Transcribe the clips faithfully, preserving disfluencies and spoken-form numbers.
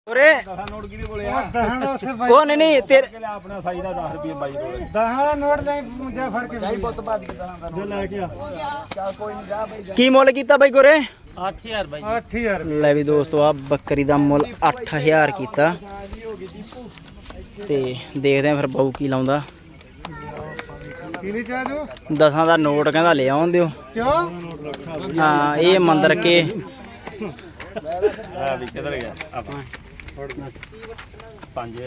ਉਰੇ ਨੋਟ ਕਿਹਦੇ ਕੋਲੇ ਆ ਦਹਾਂ ਦਾ ਉਸੇ ਬਾਈ ਉਹ ਨਹੀਂ ਨਹੀਂ ਤੇਰੇ ਆਪਣਾ ਸਾਈ ਦਾ ਦਸ ਰੁਪਏ ਬਾਈ ਕੋਲੇ ਦਹਾਂ ਦਾ ਨੋਟ ਲੈ ਮੁੰਡਾ ਫੜ ਕੇ ਜਾਈ ਪੁੱਤ ਭੱਜ ਕੇ ਦਹਾਂ ਦਾ ਜੋ ਲੈ ਕੇ ਆ ਚੱਲ ਕੋਈ ਨਹੀਂ ਜਾ ਬਾਈ ਕੀ ਮੁੱਲ ਕੀਤਾ ਬਾਈ ਗੋਰੇ ਅੱਠ ਹਜ਼ਾਰ ਬਾਈ ਅੱਠ ਹਜ਼ਾਰ ਲੈ ਵੀ ਦੋਸਤੋ ਆ ਬੱਕਰੀ ਦਾ ਮੁੱਲ ਅੱਠ ਹਜ਼ਾਰ ਕੀਤਾ ਤੇ ਦੇਖਦੇ ਆ ਫਿਰ ਬਾਊ ਕੀ ਲਾਉਂਦਾ ਕਿਹੜੀ ਚਾਹ ਜੋ ਦਸਾਂ ਦਾ ਨੋਟ ਕਹਿੰਦਾ ਲੈ ਆਉਣ ਦਿਓ ਕਿਉਂ ਹਾਂ ਇਹ ਮੰਦਰ ਕੇ ਆ ਵੀ ਕਿੱਧਰ ਗਿਆ ਆਪਣਾ ਪੰਜ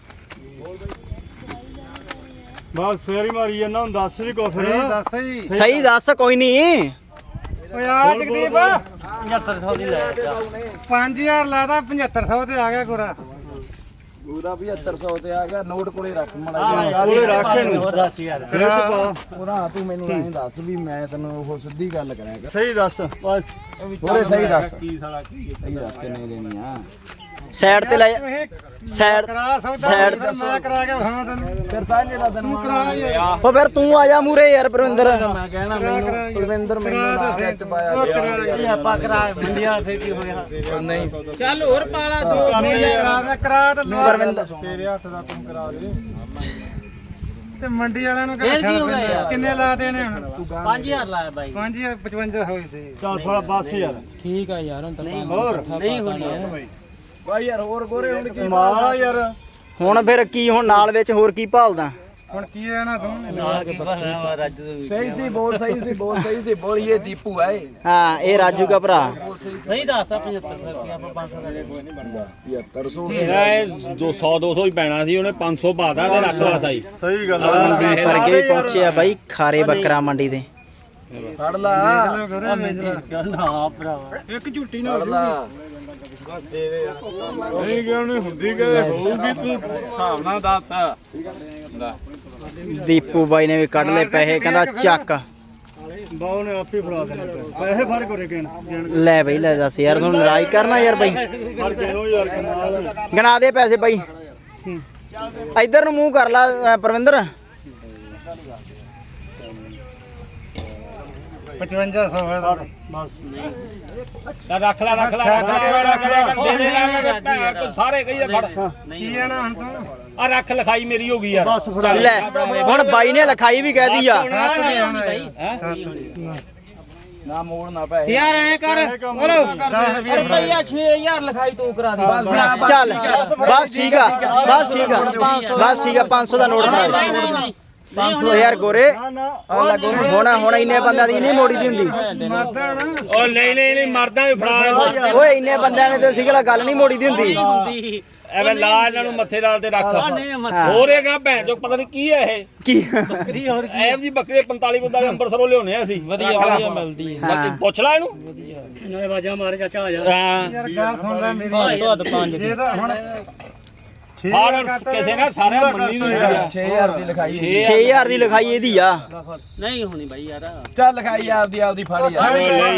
ਬਹੁਤ ਸਵੇਰੀ ਮਾਰੀ ਜਾਂਦਾ ਹੁਣ ਦੱਸ ਵੀ ਕੋ ਫਿਰ ਦੱਸ ਜੀ ਸਹੀ ਦੱਸ ਕੋਈ ਨਹੀਂ ਓਏ ਆ ਜਗਦੀਪ ਪਝੱਤਰ ਸੌ ਦੀ ਲੈ ਜਾ ਪੰਜ ਹਜ਼ਾਰ ਲਾਦਾ ਪਝੱਤਰ ਸੌ ਤੇ ਆ ਗਿਆ ਗੋਰਾ ਪੂਰਾ ਪਝੱਤਰ ਸੌ ਤੇ ਆ ਗਿਆ ਨੋਟ ਕੋਲੇ ਰੱਖ ਮੜਾ ਕੋਲੇ ਰੱਖ ਇਹਨੂੰ। ਹੋਰ ਦੱਸ ਯਾਰ ਪੂਰਾ ਤੂੰ ਮੈਨੂੰ ਐਂ ਦੱਸ ਵੀ ਮੈਂ ਤੈਨੂੰ ਉਹ ਸਿੱਧੀ ਗੱਲ ਕਰਾਂਗਾ ਸਹੀ ਦੱਸ ਬਸ ਹੋਰੇ ਸਹੀ ਦੱਸ ਕੀ ਸਾਲਾ ਕੀ ਸਹੀ ਦੱਸ ਕੇ ਨਹੀਂ ਦੇਣੀ ਆ ਸਾਈਡ ਤੇ ਲੈ ਤੁਸੀਂ ਸਾਈਡ ਕਰਾ ਸੌਦਾ ਸਾਈਡ ਫਿਰ ਮੈਂ ਕਰਾ ਕੇ ਵਿਖਾਵਾਂ ਤੈਨੂੰ ਫਿਰ ਤਾਂ ਜਿਹੜਾ ਤੂੰ ਤੈਨੂੰ ਕਰਾ ਯਾਰ ਉਹ ਫਿਰ ਤੂੰ ਆ ਜਾ ਮੂਰੇ ਯਾਰ ਪ੍ਰਵਿੰਦਰ ਮੈਂ ਕਹਿਣਾ ਕਰਾ ਮੈਨੂੰ ਕਰਾ ਕੁਲਵਿੰਦਰ ਮੈਨੂੰ ਕਰਾ ਨਾਲ ਦੇ ਵਿੱਚ ਪਾਇਆ ਉਹ ਗਿਆ ਕਰਾ ਇਹ ਆਪਾਂ ਕਰਾ ਮੁੰਡਿਆ ਫੇਰ ਕੀ ਹੋਇਆ ਨਹੀਂ ਚੱਲ ਹੋਰ ਪਾਲਾ ਦੋ ਨਹੀਂ ਕਰਾ ਦੇ ਕਰਾ ਤੇ ਲਵਾ ਪਰਵਿੰਦਰ ਤੇਰੇ ਹੱਥ ਦਾ ਤੂੰ ਕਰਾ ਦੇ ਤੇ ਮੰਡੀ ਵਾਲਿਆਂ ਨੂੰ ਫੇਰ ਕੀ ਹੋ ਗਿਆ ਪੈਂਦਾ? ਯਾਰ? ਕਿੰਨੇ ਲਾ ਦੇਣੇ ਹੁਣ ਪੰਜ ਹਜ਼ਾਰ ਲਾਇਆ ਬਾਈ ਪੰਜ ਹਜ਼ਾਰ ਪਚਵੰਜਾ ਹੋਏ ਤੇ ਚੱਲ ਥੋੜਾ ਬਸ ਯਾਰ ਠੀਕ ਆ ਯਾਰ ਹੁਣ ਤਾਂ ਹੋਰ ਨਹੀਂ ਹੋਣੀ ਬਾਈ ਯਾਰ ਹੋਰ ਗੋਰੇ ਹੁਣ ਕੀ ਮਾਲ ਆ ਯਾਰ ਹੁਣ ਫਿਰ ਕੀ ਹੁਣ ਨਾਲ ਵਿੱਚ ਹੋਰ ਕੀ ਭਾਲਦਾ ਹੁਣ ਕੀ ਆਣਾ ਤੂੰ ਨਾਲ ਕੀ ਬਸਣਾ ਵਾ ਰੱਜ ਤੋਂ ਸਹੀ ਸੀ ਬੋਲ ਸਹੀ ਸੀ ਬੋਲ ਸਹੀ ਸੀ ਬੋਲ ਇਹ ਦੀਪੂ ਹੈ ਹਾਂ ਇਹ ਰਾਜੂ ਦਾ ਭਰਾ ਨਹੀਂ ਦੱਸਦਾ ਪਝੱਤਰ ਸੌ ਕੀ ਆਪਾਂ ਪੰਜ ਸੌ ਦਾ ਦੇ ਪਝੱਤਰ ਸੌ ਇਹਦਾ ਇਹ ਦੋ ਸੌ ਦੋ ਸੌ ਹੀ ਪੈਣਾ ਸੀ ਉਹਨੇ ਪੰਜ ਸੌ ਪਾਤਾ ਤੇ ਰੱਖ ਲਿਆ ਸਾਈ ਸਹੀ ਗੱਲ ਮੰਡੀ ਪਰ ਗਏ ਪਹੁੰਚੇ ਆ ਬਾਈ ਖਾਰੇ ਬੱਕਰਾ ਮੰਡੀ ਦੇ ਫੜ ਲਾ ਨਾ ਭਰਾਵਾ ਇੱਕ ਝੂਟੀ ਫੜ ਲਾ ਨਹੀਂ ਕਿਉਂ ਨਹੀਂ ਹੁੰਦੀ ਕਿ ਹੋਊਗੀ ਤੂੰ ਹਿਸਾਬ ਨਾਲ ਦੱਸ ਦੀਪੂ ਬਾਈ ਨੇ ਵੀ ਕੱਢ ਲਏ ਪੈਸੇ ਕਹਿੰਦਾ ਚੱਕ ਬਾਉ ਨੇ ਆਪੇ ਫੜਾ ਦੇਣੇ ਪੈਸੇ ਫੜ ਕੋਰੇ ਕਹਿਣ ਲੈ ਬਈ ਲੈ ਦੱਸ ਯਾਰ ਤੁਹਾਨੂੰ ਨਾਰਾਜ਼ ਕਰਨਾ ਯਾਰ ਬਾਈ ਫੜ ਕੇ ਲੋ ਯਾਰ ਕਮਾਲ ਗਿਣਾ ਦੇ ਪੈਸੇ ਬਾਈ ਇੱਧਰ ਨੂੰ ਮੂੰਹ ਕਰ ਲਾ ਅ, ਪਰਵਿੰਦਰ ਪਚਵੰਜਾ ਸੌ ਹੈ ਤਾਂ ਬਸ ਰੱਖ ਲੈ ਰੱਖ ਲੈ ਰੱਖ ਲੈ ਰੱਖ ਲੈ ਦੇ ਦੇ ਲੈ ਸਾਰੇ ਕਹੀਏ ਫੜ ਕੀ ਆਣਾ ਹੁਣ ਤੂੰ ਆ ਰੱਖ ਲਿਖਾਈ ਮੇਰੀ ਹੋ ਗਈ ਯਾਰ ਬਸ ਫੜਾ ਲੈ ਹੁਣ ਬਾਈ ਨੇ ਲਿਖਾਈ ਵੀ ਕਹਿ ਦੀ ਆ ਸੱਤ ਵੀ ਆਣਾ ਹੈ ਨਾ ਮੋੜ ਨਾ ਪੈ ਯਾਰ ਐ ਕਰ ਬੋਲੋ ਰੁਪਈਆ ਛੇ ਹਜ਼ਾਰ ਲਿਖਾਈ ਤੂੰ ਕਰਾ ਦੇ ਚੱਲ ਬਸ ਠੀਕ ਆ ਬਸ ਠੀਕ ਆ ਬਸ ਠੀਕ ਆ ਪੰਜ ਸੌ ਦਾ ਨੋਟ ਬਣਾ ਦੇ ਪੰਜ ਸੌ ਯਾਰ ਗੋਰੇ ਆਲਾ ਗੋਰੇ ਹੁਣ ਹੁਣ ਇੰਨੇ ਬੰਦਿਆਂ ਦੀ ਨਹੀਂ ਮੋੜੀ ਦੀ ਹੁੰਦੀ ਮਰਦਾ ਨਾ ਉਹ ਨਹੀਂ ਨਹੀਂ ਨਹੀਂ ਮਰਦਾਂ ਵੀ ਫੜਾ ਓਏ ਇੰਨੇ ਬੰਦਿਆਂ ਨੇ ਤੇ ਸਿਗਲਾ ਗੱਲ ਨਹੀਂ ਮੋੜੀ ਦੀ ਹੁੰਦੀ ਐਵੇਂ ਲਾ ਇਹਨਾਂ ਨੂੰ ਮੱਥੇ ਨਾਲ ਤੇ ਰੱਖ ਹਾਂ। ਹੋਰ ਹੈਗਾ ਭੈਣ ਚੋ ਪਤਾ ਨਹੀਂ ਕੀ ਹੈ ਇਹ ਕੀ ਐਵ ਜੀ ਬੱਕਰੇ ਪੰਤਾਲੀ ਪੰਤਾਲੀ ਅੰਬਰਸਰੋਂ ਲਿਆਉਣੇ ਆ ਅਸੀਂ ਵਧੀਆ ਵਧੀਆ ਮਿਲਦੀ ਹੈ ਬਾਕੀ ਪੁੱਛ ਲੈ ਇਹਨੂੰ ਨਾਲੇ ਵਾਜਾ ਮਾਰੇ ਚਾਚਾ ਆ ਜਾ ਹਾਂ ਯਾਰ ਗੱਲ ਸੁਣ ਲੈ ਮੇਰੀ ਤੋਂ ਹੱਦ ਪੰਜ ਜੇ ਤਾਂ ਹੁਣ ਛੇ ਹਾਂ ਹਜ਼ਾਰ ਕਰਤਾ ਕਿਸੇ ਨੇ ਸਾਰਿਆਂ ਮੰਨੀ ਨਹੀਂ ਆ ਛੇ ਹਜ਼ਾਰ ਦੀ ਲਿਖਾਈ ਛੇ ਹਜ਼ਾਰ ਦੀ ਲਿਖਾਈ ਇਹਦੀ ਆ ਨਹੀਂ ਹੋਣੀ ਬਾਈ ਯਾਰ ਚੱਲ ਲਿਖਾਈ ਆਪਦੀ ਆਪਦੀ ਫੜ ਯਾਰ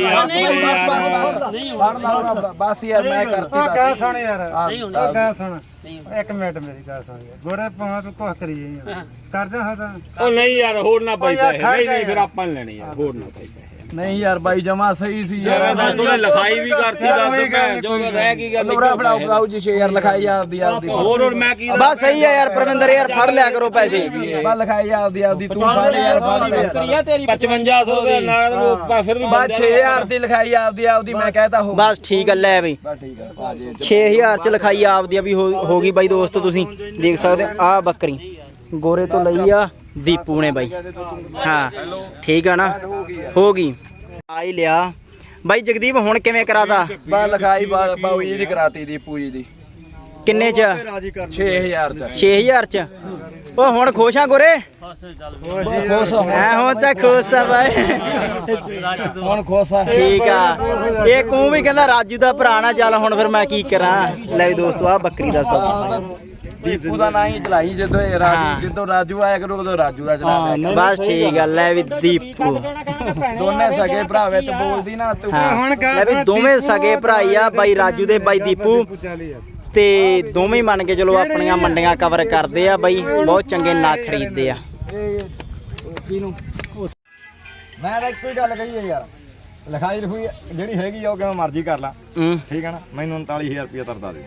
ਨਹੀਂ ਫੜ ਲਾ ਬਸ ਯਾਰ ਮੈਂ ਕਰਤੀ ਉਹ ਗੱਲ ਬਸ ਸੁਣ ਯਾਰ ਨਹੀਂ ਹੋਣੀ ਉਹ ਗੱਲ ਸੁਣ ਇੱਕ ਮਿੰਟ ਮੇਰੀ ਗੱਲ ਸੁਣ ਯਾਰ ਗੋਰੇ ਪਾਵਾਂ ਤੂੰ ਕੁਛ ਕਰੀ ਜਾਈਂ ਕਰਦਾ ਹਾਂ ਉਹ ਨਹੀਂ ਯਾਰ ਹੋਰ ਨਾ ਪਾਈ ਯਾਰ ਪੈਸੇ ਖੜ ਨਹੀਂ ਜਾ ਨਹੀਂ ਫਿਰ ਯਾਰ। ਆਪਾਂ ਨੀ ਲੈਣੇ ਯਾਰ ਹੋਰ ਨਾ ਪਾਈ ਪੈਸੇ ਨਹੀਂ ਯਾਰ ਬਾਈ ਜਮਾ ਸਹੀ ਸੀ ਐਵੇਂ ਯਾਰ ਦੱਸ ਉਹਨੇ ਲਿਖਾਈ ਵੀ ਕਰਤੀ ਯਾਰ ਦੱਸ ਉਹੀ ਗੱਲ ਭੈਣ ਜੋ ਰਹਿ ਕੀ ਗੱਲ ਲੋਰਾ ਬਣਾਓ ਬਣਾਓ ਜੀ ਛੇ ਹਜ਼ਾਰ ਲਿਖਾਈ ਆਪਦੀ ਆਪਦੀ ਹੋਰ ਹੋਰ ਮੈਂ ਕੀ ਬਸ ਸਹੀ ਆ ਯਾਰ ਪਰਵਿੰਦਰ ਯਾਰ ਫੜ ਲਿਆ ਕਰੋ ਪੈਸੇ ਬਸ ਲਿਖਾਈ ਆਪਦੀ ਆਪਦੀ ਤੂੰ ਫੜ ਯਾਰ ਫੜ ਯਾਰ ਕਰੀਆ ਤੇਰੀ ਪਚਵੰਜਾ ਸੌ ਰੁਪਏ ਨਾਲ ਉਹ ਫਿਰ ਵੀ ਬਸ ਛੇ ਹਜ਼ਾਰ ਦੀ ਲਿਖਾਈ ਆਪਦੀ ਆਪਦੀ ਮੈਂ ਕਹਿਤਾ ਹੋ ਬਸ ਠੀਕ ਆ ਲੈ ਬਈ ਬਸ ਠੀਕ ਆ ਆ ਜੇ ਛੇ ਹਜ਼ਾਰ ਚ ਲਿਖਾਈ ਆਪਦੀ ਆ ਵੀ ਹੋ ਹੋ ਗਈ ਬਾਈ ਦੋਸਤੋ ਤੁਸੀਂ ਦੇਖ ਸਕਦੇ ਹੋ ਆ ਬੱਕਰੀ ਗੋਰੇ ਤੋਂ ਲਈ ਆ ਦੀਪੂ ਨੇ ਬਾਈ ਹਾਂ ਠੀਕ ਆ ਨਾ ਹੋ ਗਈ ਆ ਹੀ ਲਿਆ ਬਾਈ ਜਗਦੀਪ ਹੁਣ ਕਿਵੇਂ ਕਰਾਤਾ ਬਸ ਲਿਖਾਈ ਬਾਊ ਜੀ ਦੀ ਕਰਾਤੀ ਦੀ ਪੂਜੀ ਦੀ ਕਿੰਨੇ ਚ ਛੇ ਹਜ਼ਾਰ ਚ ਛੇ ਹਜ਼ਾਰ ਚ ਉਹ ਹੁਣ ਖੁਸ਼ ਆ ਗੋਰੇ ਖੁਸ਼ ਐ ਹੁਣ ਤਾਂ ਖੁਸ਼ ਆ ਬਾਈ ਹੁਣ ਖੁਸ਼ ਆ ਠੀਕ ਆ ਇਹ ਕੂੰ ਵੀ ਕਹਿੰਦਾ ਰਾਜੂ ਦਾ ਭਰਾ ਨਾ ਚੱਲ ਹੁਣ ਫਿਰ ਮੈਂ ਕੀ ਕਰਾਂ ਲੈ ਵੀ ਦੋਸਤੋ ਆ ਬੱਕਰੀ ਦਾ ਸੌਦਾ ਦੀਪੂ ਦਾ ਨਾਂ ਹੀ ਚਲਾਈ ਜਦੋਂ ਇਹ ਰਾਜੂ ਜਦੋਂ ਰਾਜੂ ਆਇਆ ਕਰੂ ਉਦੋਂ ਰਾਜੂ ਦਾ ਚਲਾ ਲਿਆ ਬਸ ਠੀਕ ਆ ਲੈ ਵੀ ਦੀਪੂ ਦੋਨੇ ਸਗੇ ਭਰਾ ਵਿੱਚ ਬੋਲਦੀ ਨਾ ਤੂੰ ਹਾਂ ਲੈ ਵੀ ਦੋਵੇਂ ਸਗੇ ਭਰਾਈ ਆ ਬਾਈ ਰਾਜੂ ਦੇ ਬਾਈ ਦੀਪੂ ਤੇ ਦੋਵੇਂ ਮੰਨ ਕੇ ਚਲੋ ਆਪਣੀਆਂ ਮੰਡੀਆਂ ਕਵਰ ਕਰਦੇ ਆ ਬਾਈ ਬਹੁਤ ਚੰਗੇ ਨਾਗ ਖਰੀਦਦੇ ਆ ਕਿਨੂੰ ਮੈਂ ਤਾਂ ਇੱਕੋ ਹੀ ਗੱਲ ਕਹੀ ਹੈ ਯਾਰ ਲਿਖਾਈ ਲਿਖੂਈ ਜਿਹੜੀ ਹੈਗੀ ਆ ਉਹ ਕਿਵੇਂ ਮਰਜ਼ੀ ਕਰ ਲਾ ਹੂੰ ਠੀਕ ਹੈ ਨਾ ਮੈਨੂੰ ਉਨਤਾਲੀ ਹਜ਼ਾਰ ਰੁਪਇਆ ਤਰਦਾ ਦੇ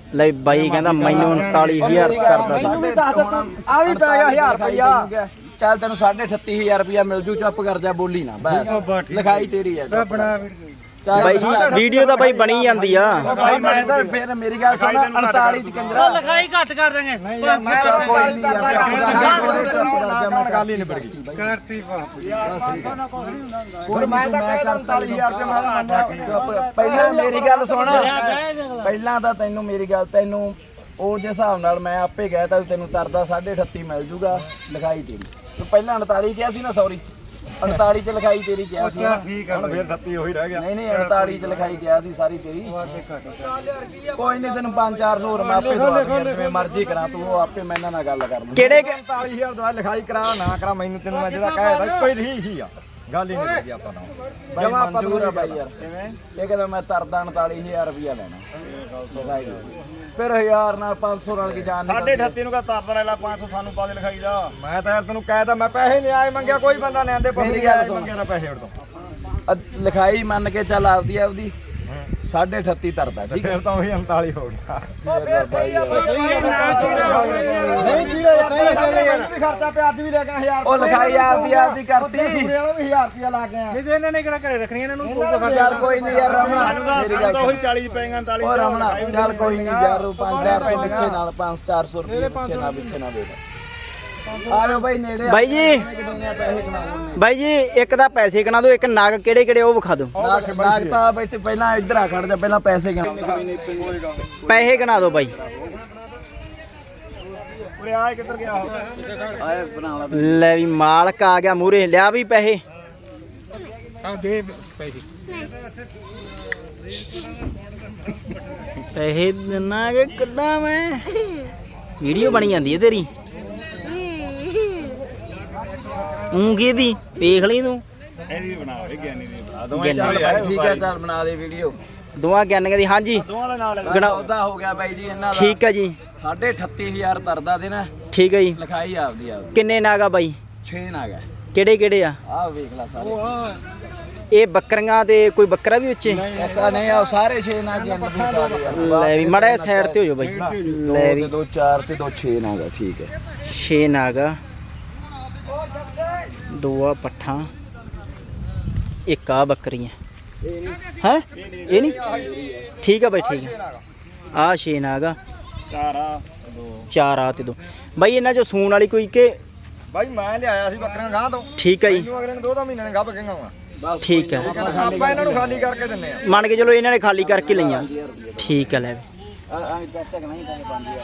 ਲੈ ਬਾਈ ਕਹਿੰਦਾ ਮੈਨੂੰ ਉਨਤਾਲੀ ਹਜ਼ਾਰ ਕਰਦਾ ਮੈਨੂੰ ਵੀ ਦੱਸ ਦੇ ਆ ਵੀ ਪੈ ਗਿਆ ਹਜ਼ਾਰ ਰੁਪਇਆ ਚੱਲ ਤੈਨੂੰ ਸਾਢੇ ਅਠੱਤੀ ਹਜ਼ਾਰ ਰੁਪਇਆ ਮਿਲ ਜੂ ਚੁੱਪ ਕਰ ਜਾ ਬੋਲੀ ਨਾ ਬਸ ਲਿਖਾਈ ਤੇਰੀ ਹੈ ਬਣਾ ਵੀਡੀਓ ਬਾਈ ਵੀਡੀਓ ਤਾਂ ਬਾਈ ਬਣੀ ਜਾਂਦੀ ਆ ਭਾਈ ਮੈਂ ਤਾਂ ਫਿਰ ਮੇਰੀ ਗੱਲ ਸੁਣ ਅੜਤਾਲੀ ਚ ਕੰਜਰਾ ਲਿਖਾਈ ਘੱਟ ਕਰ ਦਾਂਗੇ ਮੈਂ ਕੋਈ ਨਹੀਂ ਯਾਰ ਗੱਲ ਹੀ ਨਿਬੜ ਗਈ ਕਰਤੀ ਬਾਪੂ ਕੋਈ ਮੈਂ ਤਾਂ ਕਹਿ ਅੜਤਾਲੀ ਹਜ਼ਾਰ ਤੇ ਮੈਂ ਪਹਿਲਾਂ ਮੇਰੀ ਗੱਲ ਸੁਣ ਪਹਿਲਾਂ ਤਾਂ ਤੈਨੂੰ ਮੇਰੀ ਗੱਲ ਤੈਨੂੰ ਉਹ ਦੇ ਹਿਸਾਬ ਨਾਲ ਮੈਂ ਆਪੇ ਕਹਿ ਤਾ ਤੈਨੂੰ ਤਰਦਾ ਸਾਢੇ ਅਠੱਤੀ ਮਿਲ ਜੂਗਾ ਲਿਖਾਈ ਤੇਰੀ ਤੂੰ ਪਹਿਲਾਂ ਅੜਤਾਲੀ ਕਿਹਾ ਸੀ ਨਾ ਸੌਰੀ ਅੜਤਾਲੀ ਚ ਲਿਖਾਈ ਤੇਰੀ ਕਿਹਾ ਸੀ ਠੀਕ ਆ ਫਿਰ ਅਠੱਤੀ ਉਹੀ ਰਹਿ ਗਿਆ ਨਹੀਂ ਨਹੀਂ ਅੜਤਾਲੀ ਚ ਲਿਖਾਈ ਕਿਹਾ ਸੀ ਸਾਰੀ ਤੇਰੀ ਕੋਈ ਨਹੀਂ ਤੈਨੂੰ ਪੰਜ ਚਾਰ ਸੌ ਹੋਰ ਮੈਂ ਆਪੇ ਦਵਾ ਦੂੰਗਾ ਜਿਵੇਂ ਮਰਜ਼ੀ ਕਰਾਂ ਤੂੰ ਉਹ ਆਪੇ ਮੈਨਾਂ ਨਾਲ ਗੱਲ ਕਰ ਲੈ ਕਿਹੜੇ ਅੜਤਾਲੀ ਹਜ਼ਾਰ ਦਵਾ ਲਿਖਾਈ ਕਰਾ ਨਾ ਕਰਾ ਮੈਨੂੰ ਤੈਨੂੰ ਮੈਂ ਜਿਹੜਾ ਕਹਿ ਕੋਈ ਨਹੀਂ ਹੀ ਆ ਗੱਲ ਹੀ ਨਹੀਂ ਲੱਗੀ ਆਪਾਂ ਨਾਲ ਜਮਾ ਮਨਜ਼ੂਰ ਆ ਬਾਈ ਯਾਰ ਕਿਵੇਂ ਇਹ ਕਹਿੰਦਾ ਮੈਂ ਤਰਦਾ ਉਨਤਾਲੀ ਹਜ਼ਾਰ ਰੁਪਇਆ ਲੈਣਾ ਫਿਰ ਹਜ਼ਾਰ ਨਾਲ ਪੰਜ ਸੌ ਨਾਲ ਕੀ ਜਾਣ ਸਾਢੇ ਅਠੱਤੀ ਨੂੰ ਕਾ ਤਰਦਾ ਲੈ ਲਾ ਪੰਜ ਸੌ ਸਾਨੂੰ ਪਾ ਦੇ ਲਿਖਾਈ ਦਾ ਮੈਂ ਤਾਂ ਯਾਰ ਤੈਨੂੰ ਕਹਿਦਾ ਮੈਂ ਪੈਸੇ ਨਹੀਂ ਆਏ ਮੰਗਿਆ ਕੋਈ ਬੰਦਾ ਨਹੀਂ ਆਂਦੇ ਮੇਰੀ ਗੱਲ ਸੁਣ ਮੰਗਿਆ ਪੈਸੇ ਉੜ ਤੋਂ ਅ- ਲਿਖਾਈ ਮੰਨ ਕੇ ਚੱਲ ਆਪਦੀ ਆਪਦੀ ਸਾਢੇ ਅਠੱਤੀ ਤਰਦਾ ਠੀਕ ਹੈ ਫਿਰ ਤਾਂ ਉਹੀ ਉਨਤਾਲੀ ਹੋ ਗਿਆ ਖਰਚਾ ਪਿਆ ਅੱਜ ਵੀ ਲੈ ਕੇ ਹਜ਼ਾਰ ਉਹ ਲਿਖਾਈ ਆਪਦੀ ਆਪਦੀ ਕਰਤੀ ਸੂਰੇ ਵਾਲਾ ਵੀ ਹਜ਼ਾਰ ਰੁਪਇਆ ਲਾ ਕੇ ਆ ਨਹੀਂ ਤੇ ਇਹਨਾਂ ਨੇ ਕਿਹੜਾ ਘਰੇ ਰੱਖਣੀ ਇਹਨਾਂ ਨੂੰ ਚੱਲ ਕੋਈ ਨਹੀਂ ਯਾਰ ਰਮਣਾ ਮੇਰੀ ਗੱਲ ਉਹੀ ਚਾਲੀ ਪਏਗਾ ਉਨਤਾਲੀ ਉਹ ਰਮਣਾ ਚੱਲ ਕੋਈ ਨਹੀਂ ਯਾਰ ਪੰਜ ਹਜ਼ਾਰ ਰੁਪਏ ਪਿੱਛੇ ਨਾਲ ਪੰਜ ਚਾਰ ਸੌ ਰੁਪਏ ਪਿੱਛੇ ਨਾਲ ਪਿੱਛੇ ਨਾਲ ਦੇ ਦੇ ਆ ਜਾਓ ਬਾਈ ਨੇੜੇ ਬਾਈ ਜੀ ਪੈਸੇ ਕਮਾਉਣੇ ਬਾਈ ਜੀ ਇੱਕ ਤਾਂ ਪੈਸੇ ਗਣਾ ਦਿਓ, ਇੱਕ ਨਗ ਕਿਹੜੇ ਕਿਹੜੇ ਉਹ ਵਿਖਾ ਦਿਓ। ਨਾਗ ਤਾਂ ਬੈਠੇ ਪਹਿਲਾਂ ਇੱਧਰ ਆ ਖੜ ਜਾ ਪਹਿਲਾਂ ਪੈਸੇ ਗਿਣ ਪੈਸੇ ਗਣਾ ਦਿਓ ਬਾਈ। ਉਰੇ ਆਏ ਕਿੱਧਰ ਗਿਆ ਆਏ ਬਣਾ ਲਾ ਲੈ ਵੀ ਮਾਲਕ ਆ ਗਿਆ ਮੂਰੇ, ਲਿਆ ਵੀ ਪੈਸੇ ਆ ਦੇ ਪੈਸੇ ਪੈਸੇ ਦਿਨਾ ਕਿ ਕਿੱਦਾਂ ਮੈਂ ਵੀਡੀਓ ਬਣੀ ਜਾਂਦੀ ਹੈ ਤੇਰੀ ਊਂ ਕਿਹਦੀ ਵੇਖ ਲਈ ਤੂੰ ਇਹਦੀ ਬਣਾ ਓਏ ਗਿਆਨੀ ਦੀ ਬਣਾ ਦੋ ਗਿਆਨੀ। ਠੀਕ ਹੈ ਚੱਲ ਬਣਾ ਦੇ ਵੀਡੀਓ ਦੋਵਾਂ ਗਿਆਨੀਆਂ ਦੀ। ਹਾਂਜੀ ਦੋਵਾਂ ਦੇ ਨਾਲ ਗਣਾ ਸੌਦਾ ਹੋ ਗਿਆ ਬਾਈ ਜੀ ਇਹਨਾਂ ਦਾ ਠੀਕ ਹੈ ਜੀ, ਸਾਢੇ ਅਠੱਤੀ ਹਜ਼ਾਰ ਤਰਦਾ ਦੇਣਾ ਠੀਕ ਹੈ ਜੀ। ਲਿਖਾਈ ਆਪਦੀ ਆਪਦੀ ਕਿੰਨੇ ਨਾਗ ਆ ਬਾਈ? ਛੇ ਨਾਗ ਹੈ ਕਿਹੜੇ ਕਿਹੜੇ ਆ? ਆਹ ਵੇਖ ਲੈ ਸਾਰੇ ਇਹ ਬੱਕਰੀਆਂ ਤੇ ਕੋਈ ਬੱਕਰਾ ਵੀ ਵਿੱਚੇ? ਇੱਕ ਨਹੀਂ ਆ ਸਾਰੇ ਛੇ ਨਾਗ ਹੀ ਲੈ ਵੀ ਮੜਾ ਸਾਈਡ ਤੇ ਹੋ ਜਾਓ ਬਾਈ। ਲੈ ਵੀ ਦੋ ਚਾਰ ਤੇ ਦੋ ਛੇ ਨਾਗ ਹੈ ਠੀਕ ਹੈ ਛੇ ਨਾਗ ਆ, ਦੋ ਆ ਪੱਠਾਂ, ਇੱਕ ਆ ਬੱਕਰੀਆਂ ਹੈ ਇਹ ਨਹੀਂ ਠੀਕ ਆ ਬਾਈ ਠੀਕ ਆ। ਆ ਛੇ ਨਾਗ ਆ, ਚਾਰ ਆ ਦੋ ਚਾਰ ਆ ਤੇ ਦੋ ਬਾਈ। ਇਹਨਾਂ ਚੋਂ ਸੂਣ ਵਾਲੀ ਕੋਈ ਕਿ? ਬਾਈ ਮੈਂ ਲਿਆਇਆ ਸੀ ਬੱਕਰੀਆਂ ਗਾਂ ਤੋਂ ਠੀਕ ਆ ਜੀ, ਮੈਨੂੰ ਅਗਲੇ ਨੇ ਦੋ ਦੋ ਮਹੀਨੇ ਨੇ ਗੱਭ ਗਈਆਂ ਵਾ ਬਸ ਠੀਕ ਆ। ਆਪਾਂ ਇਹਨਾਂ ਨੂੰ ਖਾਲੀ ਕਰਕੇ ਦਿੰਨੇ ਆ ਮੰਨ ਕੇ ਚਲੋ ਇਹਨਾਂ ਨੇ ਖਾਲੀ ਕਰਕੇ ਲਈਆਂ, ਠੀਕ ਆ। ਲੈ ਵੀ ਆ ਆ ਪੈਸੇ ਨਹੀਂ ਤਾਂ ਬੰਦੀ ਆ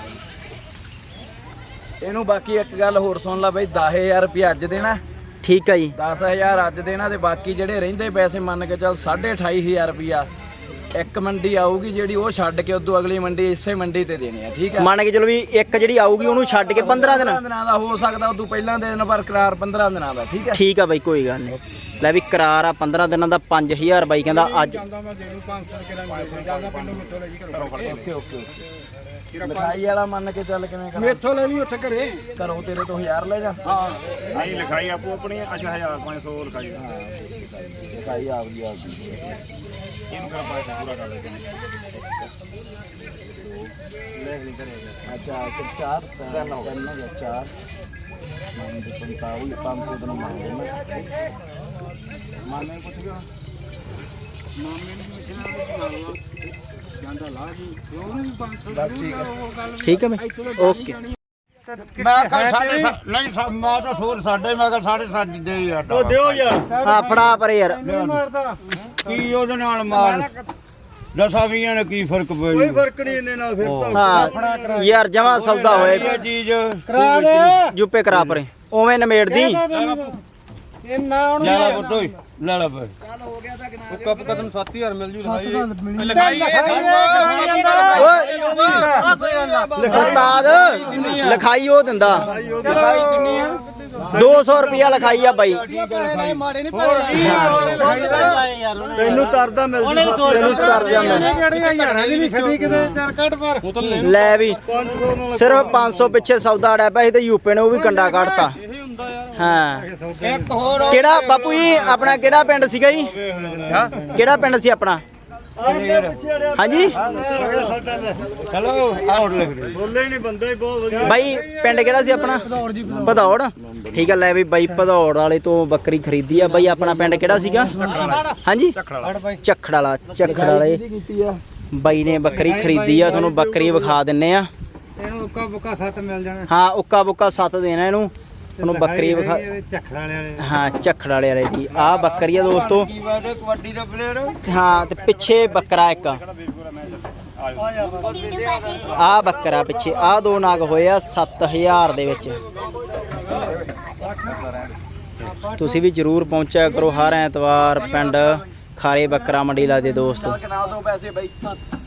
ਇਹਨੂੰ ਬਾਕੀ ਇੱਕ ਗੱਲ ਹੋਰ ਸੁਣ ਲੈ ਬਈ ਦਸ ਹਜ਼ਾਰ ਰੁਪਏ ਅੱਜ ਦੇਣਾ, ਠੀਕ ਆ ਜੀ, ਦਸ ਹਜ਼ਾਰ ਅੱਜ ਦੇਣਾ ਤੇ ਬਾਕੀ ਜਿਹੜੇ ਰਹਿੰਦੇ ਪੈਸੇ ਮੰਨ ਕੇ ਚੱਲ ਸਾਢੇ ਅਠਾਈ ਹਜ਼ਾਰ ਰੁਪਿਆ ਇੱਕ ਮੰਡੀ ਆਊਗੀ ਜਿਹੜੀ ਉਹ ਛੱਡ ਕੇ ਉਦੋਂ ਅਗਲੀ ਮੰਡੀ ਇਸੇ ਮੰਡੀ ਤੇ ਦੇਣੀ ਆ ਠੀਕ ਹੈ। ਮੰਨ ਕੇ ਚਲੋ ਵੀ ਇੱਕ ਜਿਹੜੀ ਆਊਗੀ ਉਹਨੂੰ ਛੱਡ ਕੇ ਪੰਦਰਾਂ ਦਿਨ ਦਿਨਾਂ ਦਾ ਹੋ ਸਕਦਾ ਉਦੋਂ ਪਹਿਲਾਂ ਦੇ ਦਿਨ ਪਰ ਕਰਾਰ ਪੰਦਰਾਂ ਦਿਨਾਂ ਦਾ ਠੀਕ ਹੈ। ਠੀਕ ਆ ਬਾਈ ਕੋਈ ਗੱਲ ਨਹੀਂ। ਲੈ ਵੀ ਕਰਾਰ ਆ ਪੰਦਰਾਂ ਦਿਨਾਂ ਦਾ ਪੰਜ ਹਜ਼ਾਰ ਬਾਈ ਕਹਿੰਦਾ ਅੱਜ। ਮੈਂ ਦੇ ਦੂੰ ਪੰਜ ਸੌ ਰੁਪਏ ਦਾ ਜਾਂਦਾ ਪਿੰਡੋਂ ਮਿੱਥੋਂ ਲੈ ਜੀ ਕਰੋ ਓਕੇ ਓਕੇ ਓਕੇ ਲਿਖਾਈ ਵਾਲਾ ਮੰਨ ਕੇ ਚੱਲ ਕਿਵੇਂ ਕਰਾਂ ਮਿੱਥੋਂ ਲੈ ਲਈ ਉੱਥੇ ਘਰੇ ਘਰੋਂ ਤੇਰੇ ਤੋਂ ਹਜ਼ਾਰ ਲੈ ਜਾ ਨਹੀਂ ਲਿਖਾਈ ਆਪੋ ਆਪਣੀ ਅੱਛਾ ਹਜ਼ਾਰ ਪੰਜ ਸੌ ਲਿਖਾਈ ਲਿਖਾਈ ਆਪਦੀ ਆਪਦੀ ਇਹਨੂੰ ਕਰ ਪਾਇਆ ਪੂਰਾ ਕਰ ਲੈ ਅੱਛਾ ਅੱਛਾ ਚਾਰ ਤਿੰਨ ਹੋ ਗਏ ਚਾਰ ਮੰਨ ਦੇ ਪੰਤਾਲੀ ਪੰਜ ਸੌ ਦਿਨ ਮੰਨ ਦੇ ਮਾਨੇ ਪੁੱਛ ਗਿਆ ਮਾਮੇ ਨੂੰ ਪੁੱਛਣਾ ਜਾਂਦਾ ਲਾ ਜੀ ਉਹਨੂੰ ਵੀ ਪੰਜ ਸੌ ਬਸ ਠੀਕ ਹੈ ਠੀਕ ਹੈ ਬਾਈ ਓਕੇ। ਮੈਂ ਕਹਾਂ ਸਾਡੇ ਨਹੀਂ ਮੈਂ ਤਾਂ ਸੋਰ ਸਾਡੇ ਮੈਂ ਕਹਾਂ ਸਾਡੇ ਸਾਡੀ ਦੇ ਯਾਰ ਉਹ ਦਿਓ ਯਾਰ ਹਾਂ ਫੜਾ ਪਰ ਯਾਰ ਨਹੀਂ ਮਾਰਦਾ ਕੀ ਉਹਦੇ ਨਾਲ ਮਾਰ ਦਸਾਂ ਵੀਆਂ ਨੇ ਕੀ ਫਰਕ ਪੈ ਕੋਈ ਫਰਕ ਨਹੀਂ ਇਹਨੇ ਨਾਲ ਫਿਰ ਹਾਂ ਯਾਰ ਜਮਾ ਸੌਦਾ ਹੋਏ ਚੀਜ਼ ਕਰਾ ਦੇ ਜੁੱਪੇ ਕਰਾ ਪਰੇ ਉਵੇਂ ਨਮੇੜ ਦੀ। ਇਹ ਨਾ ਹੁਣ ਲੈ ਲਾ ਪੁੱਤੋ ਲੈ ਲਾ ਬਈ ਕੱਪ ਕਦਮ ਸੱਤ ਹਜ਼ਾਰ ਮਿਲ ਜੂ ਲਗਾਈ ਉਸਤਾਦ ਲਿਖਾਈ ਉਹ ਦਿੰਦਾ ਦੋ ਸੌ ਰੁਪਿਆ ਲਿਖਾਈ ਆ ਬਾਈ। ਤੈਨੂੰ ਤਰਦਾ ਮਿਲ ਜੂ ਤੈਨੂੰ ਕਰ ਜਾ ਮੈਂ ਕਿਹੜੀਆਂ ਹਜ਼ਾਰਾਂ ਦੀ ਨਹੀਂ ਛੱਡੀ ਕਿਤੇ ਚੱਲ ਕੱਢ ਪਰ ਲੈ ਵੀ ਸਿਰਫ ਪੰਜ ਸੌ ਪਿੱਛੇ ਸੌਦਾ ਅੜਿਆ ਪਿਆ ਸੀ ਤੇ ਯੂਪੀ ਨੇ ਉਹ ਵੀ ਕੰਡਾ ਕੱਢਤਾ। ਹਾਂ ਕਿਹੜਾ ਬਾਪੂ ਜੀ ਆਪਣਾ ਕਿਹੜਾ ਪਿੰਡ ਸੀਗਾ ਜੀ? ਕਿਹੜਾ ਪਿੰਡ ਸੀ ਆਪਣਾ? ਹਾਂਜੀ ਹੈਲੋ ਆਊਟ ਲਿਖ ਦੇ ਬੋਲੇ ਨਹੀਂ ਬੰਦਾ ਹੀ ਬਹੁਤ ਵਧੀਆ ਬਾਈ ਪਿੰਡ ਕਿਹੜਾ ਸੀ ਆਪਣਾ ਭਦੌੜ ਠੀਕ ਆ ਲੈ ਵੀ ਬਾਈ ਭਦੌੜ ਵਾਲੇ ਤੋਂ ਬੱਕਰੀ ਖਰੀਦੀ ਆ ਬਾਈ ਆਪਣਾ ਪਿੰਡ ਕਿਹੜਾ ਸੀਗਾ ਹਾਂਜੀ ਚੱਖੜ ਵਾਲਾ ਚੱਖੜ ਵਾਲੇ ਕੀਤੀ ਆ ਬਾਈ ਨੇ ਬੱਕਰੀ ਖਰੀਦੀ ਆ ਤੁਹਾਨੂੰ ਬੱਕਰੀ ਵਿਖਾ ਦਿੰਨੇ ਆ ਇਹਨੂੰ ਉੱਕਾ ਬੁੱਕਾ ਸੱਤ ਮਿਲ ਜਾਣਾ ਹਾਂ ਉੱਕਾ ਬੁੱਕਾ ਸੱਤ ਦੇਣਾ ਇਹਨੂੰ ਤੁਹਾਨੂੰ ਬੱਕਰੀ ਵਿਖਾ ਚੱਖੜ ਵਾਲੇ ਹਾਂ ਚੱਖੜ ਵਾਲੇ ਵਾਲੇ ਦੀ ਆਹ ਬੱਕਰੀ ਆ ਦੋਸਤੋ ਕਬੱਡੀ ਦਾ ਪਲੇਅਰ ਹਾਂ ਤੇ ਪਿੱਛੇ ਬੱਕਰਾ ਇੱਕ ਆ ਬੱਕਰਾ ਪਿੱਛੇ ਆ ਦੋ ਨਾਗ ਹੋਏ ਆ ਸੱਤ ਹਜ਼ਾਰ ਦੇ ਵਿੱਚ ਤੁਸੀਂ ਵੀ ਜਰੂਰ ਪਹੁੰਚਿਆ ਕਰੋ ਹਰ ਐਤਵਾਰ ਪਿੰਡ ਖਾਰੇ ਬੱਕਰਾ ਮੰਡੀ ਲੱਗਦੇ ਦੋਸਤੋ ਕਿੰਨਾ ਦੋ ਪੈਸੇ ਬਾਈ